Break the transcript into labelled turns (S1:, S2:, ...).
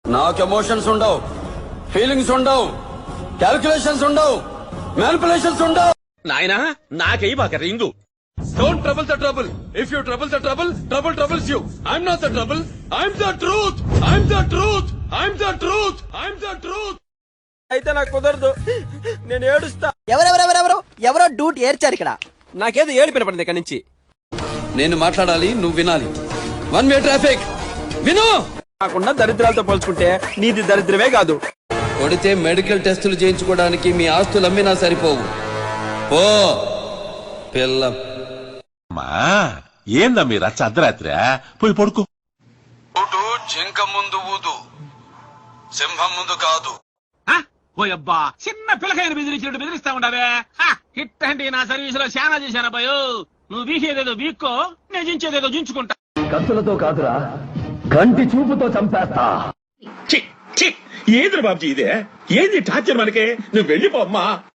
S1: నాకు ఎమోషన్స్ ఉండవు, ఫీలింగ్స్ ఉండవు, క్యాల్కులేషన్స్ ఉండవు, మ్యానిపులేషన్స్ ఉండవు.
S2: నాయనా నాకై బాక రింగు.
S3: Don't trouble the trouble. If you trouble the trouble, trouble troubles you. I'm not the trouble. I'm the truth. I'm the truth. I'm the truth. I'm the truth.
S1: అయితే నాకు కుదరదు, నేను ఏడుస్తా.
S4: ఎవరో డ్యూట్ ఏర్చారు ఇక్కడ.
S1: నాకేదో ఏడు పినపడింది ఇక్కడి నుంచి. నేను మాట్లాడాలి, నువ్వు వినాలి. One way traffic. విను. నాకున్న దరిద్రాలతో పోల్చుకుంటే నీది దరిద్రమే కాదు. కొడితే మెడికల్ టెస్టులు చేయించుకోవడానికి మీ ఆస్తులు అమ్మినా సరిపోవు. ఓ పిల్ల
S5: ఏందా మీరు అర్ధరాత్రి పోయి పడుకో.
S1: జింక ముందు ఊదు, సింహం ముందు కాదు.
S2: ఓ అబ్బా చిన్న పిల్లకాయని బెదిరించినట్టు బెదిరిస్తా ఉండవే. హిట్ అంటే నా సర్వీస్ లో శానా చేశాను అబ్బాయో. నువ్వు వీసేదేదో వీక్కో, నేను జించేదేదో జించుకుంటా.
S6: కత్తులతో కాదురా, కంటి చూపుతో చంపేస్తా.
S5: ఏది బాబుజీ ఇదే? ఏంది టార్చర్ మనకే? నువ్వు వెళ్ళిపోమ్మా.